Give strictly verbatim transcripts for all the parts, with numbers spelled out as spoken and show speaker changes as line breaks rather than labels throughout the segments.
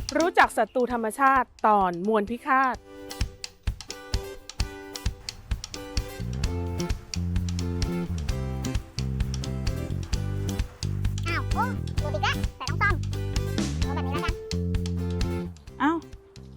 รู้จักศัตรูธรรมชาติตอนมวลพิฆาต
อ้าวโอ้ดูดิกะแต่ต้องซ่อมเอาแบบนี้แล้วกัน
อ้าว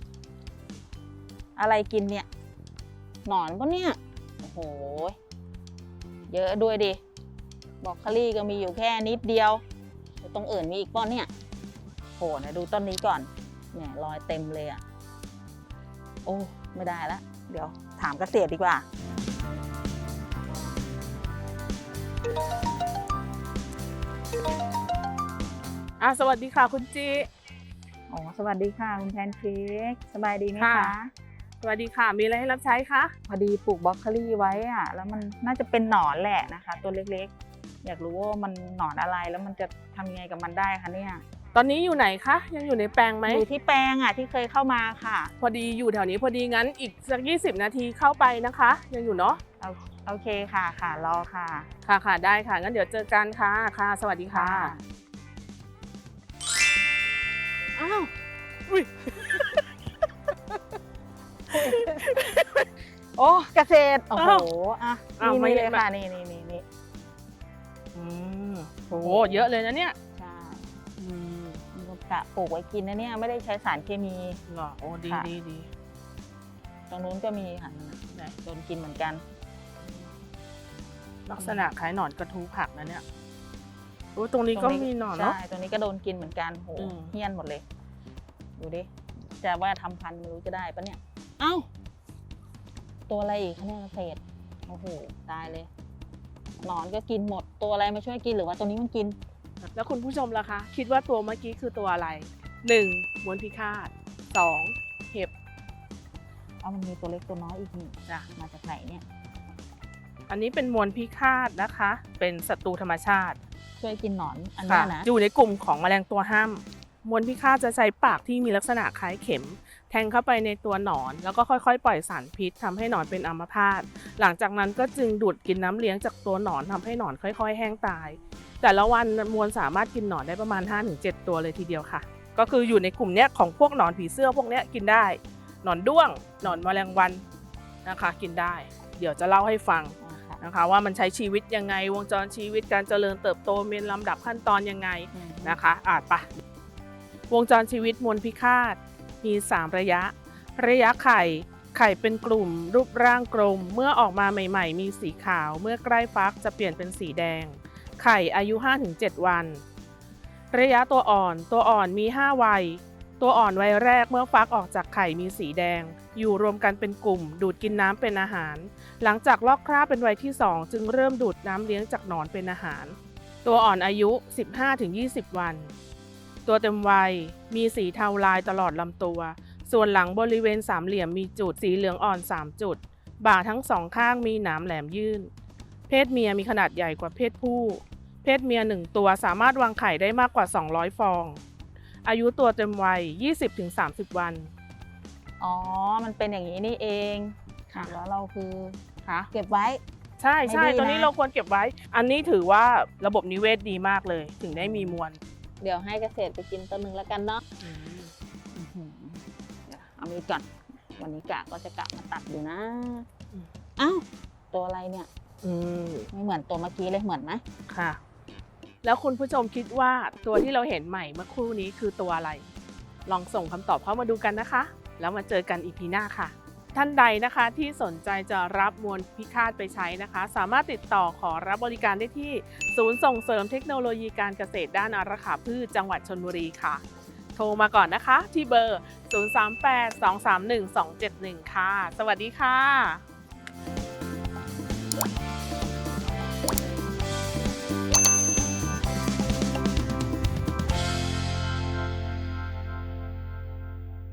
อะไรกินเนี่ยหนอนปะเนี่ยโอ้โหเยอะด้วยดิบรอกโคลี่ก็มีอยู่แค่นิดเดียวตรงอื่นมีอีกป้อนเนี่ยโหนะดูต้นนี้ก่อนเนี่ยรอยเต็มเลยอ่ะโอ้ไม่ได้ละเดี๋ยวถามเกษตรดีกว่า
อ่ะสวัสดีค่ะคุณจี
อ๋อสวัสดีค่ะคุณแพนเค้กสบายดีไหม
ค่ะ
คะ
สวัสดีค่ะมีอะไรให้รับใช้คะ
พอดีปลูกบรอกโคลี่ไว้อะแล้วมันน่าจะเป็นหนอนแหละนะคะตัวเล็กๆอยากรู้ว่ามันหนอนอะไรแล้วมันจะทำยังไงกับมันได้คะเนี่ย
ตอนนี้อยู่ไหนคะยังอยู่ในแปลงไหม
อยู่ที่แปลงอ่ะที่เคยเข้ามาค่ะ
พอดีอยู่แถวนี้พอดีงั้นอีกสักยี่สิบนาทีเข้าไปนะคะ ยังอยู่เนาะ
เอาโอเคค่ะค่ะรอค่ะ
ค่ะค่ะได้ค่ะงั้นเดี๋ยวเจอกันค่ะค่ะ สวัสดีค่ะอ้าวอุ้ย
โอ้เกษตรโอ้โห
อ้าว
อ่ะ
อ้าว
นี่
ไม่
นี่
ได้
เลย
มา
ค่ะนี่นี่นี่นี่
อืมโหเยอะเลยนะเนี่ย
ใช่
อืม
มีกะปลูกไว้กินนะเนี่ยไม่ได้ใช้สารเคมี
เหรอโอ้ดี
ค่ะ
ดีดี
ตรงนู้นก็มีค่ะนั่นน่ะ
ไหน
โดนกินเหมือนกัน
ลักษณะคล้ายหนอนกระทูผักนะเนี่ยโอ้ตรงนี้ก็มีหนอนเนาะ
ใช่ตรงนี้ก็โดนกินเหมือนกันโห
อืม
เฮี้ยนหมดเลย ดูดิจะว่าทำพันธุ์ไม่รู้จะได้ปะเนี่ยเอ้าตัวอะไรอีกคะเนี่ยเกษตรโอ้โหตายเลยหนอนก็กินหมดตัวอะไรมาช่วยกินหรือว่าตัวนี้มันกิน
แล้วคุณผู้ชมล่ะคะ คิดว่าตัวเมื่อกี้คือตัวอะไรหนึ่งมวลพิฆาตสองเห็บ
เอามันมีตัวเล็กตัวน้อยอีกนี่
จ้ะ
มาจากไหนเนี่ย
อันนี้เป็นมวลพิฆาตนะคะ เป็นศัตรูธรรมชาติ
ช่วยกินหนอนอัน
ค่ะ
เนี้ยนะ
อยู่ในกลุ่มของแมลงตัวห้ามมวลพิฆาตจะใช้ปากที่มีลักษณะคล้ายเข็ม แทงเข้าไปในตัวหนอน แล้วก็ค่อยๆ ปล่อยสารพิษทำให้หนอนเป็นอัมพาตหลังจากนั้นก็จึงดูดกินน้ำเลี้ยงจากตัวหนอนทำให้หนอนค่อยๆ แห้งตาย แต่ละวันมวลสามารถกินหนอนได้ประมาณ ห้าถึงเจ็ด ตัวเลยทีเดียวค่ะ ก็คืออยู่ในกลุ่มเนี้ยของพวกหนอนผีเสื้อพวกเนี้ยกินได้ หนอนด้วง หนอนแมลงวันนะคะกินได้ เดี๋ยวจะเล่าให้ฟัง
อ่าค่ะ
นะคะว่ามันใช้ชีวิตยังไงวงจรชีวิตการเจริญเติบโตมีลำดับขั้นตอนยังไง
อืม
นะคะอ่านปะวงจรชีวิตมวลพิฆาตมีสามระยะ ระยะไข่ไข่เป็นกลุ่มรูปร่างกลมเมื่อออกมาใหม่ๆ มีสีขาวเมื่อใกล้ฟักจะเปลี่ยนเป็นสีแดง ไข่อายุ ห้าถึงเจ็ด วัน ระยะตัวอ่อนตัวอ่อนมีห้าวัยตัวอ่อนวัยแรกเมื่อฟักออกจากไข่มีสีแดง อยู่รวมกันเป็นกลุ่ม ดูดกินน้ำเป็นอาหาร หลังจากลอกคราบเป็นวัยที่สองจึงเริ่มดูดน้ำเลี้ยงจากหนอนเป็นอาหาร ตัวอ่อนอายุ สิบห้าถึงยี่สิบ วัน ตัวเต็มวัยมีสีเทาลายตลอดลำตัว ส่วนหลังบริเวณสามเหลี่ยมมีจุดสีเหลืองอ่อนสามจุด บ่าทั้งสองข้างมีหนามแหลมยื่น เพศเมียมีขนาดใหญ่กว่าเพศผู้ เพศเมียหนึ่งตัวสามารถวางไข่ได้มากกว่าสองร้อยฟอง อายุตัวเต็มวัย ยี่สิบถึงสามสิบ วัน
อ๋อมันเป็นอย่างนี้นี่เอง
ค่ะ
แล้วเราคือ
ค่ะ
เก็บไว้
ใช่ใช่
ไม่ดีนะ
ตัวนี้เราควรเก็บไว้ อันนี้ถือว่าระบบนิเวศดีมากเลย ถึงได้มีมวล
เดี๋ยวให้เกษตรไปกินตัวหนึ่งแล้วกันเนาะอื้อหือเดี๋ยวเอามีดก่อน วันนี้กะก็จะกะมาตัดอยู่นะ
อืม
อ้าวตัวอะไรเนี่ย
อืม
ไม่เหมือนตัวเมื่อกี้เลยเหมือนไหม
ค่ะ แล้วคุณผู้ชมคิดว่าตัวที่เราเห็นใหม่เมื่อครู่นี้คือตัวอะไร ลองส่งคำตอบเข้ามาดูกันนะคะ แล้วมาเจอกัน อี พี หน้าค่ะ ท่านใดนะคะที่สนใจจะรับมวลพิฆาตไปใช้นะคะ สามารถติดต่อขอรับบริการได้ที่ศูนย์ส่งเสริมเทคโนโลยีการเกษตรด้านอารักขาพืชจังหวัดชลบุรีค่ะ โทรมาก่อนนะคะที่เบอร์ ศูนย์ สาม แปด สอง สาม หนึ่ง สอง เจ็ด หนึ่ง ค่ะ สวัสดีค่ะ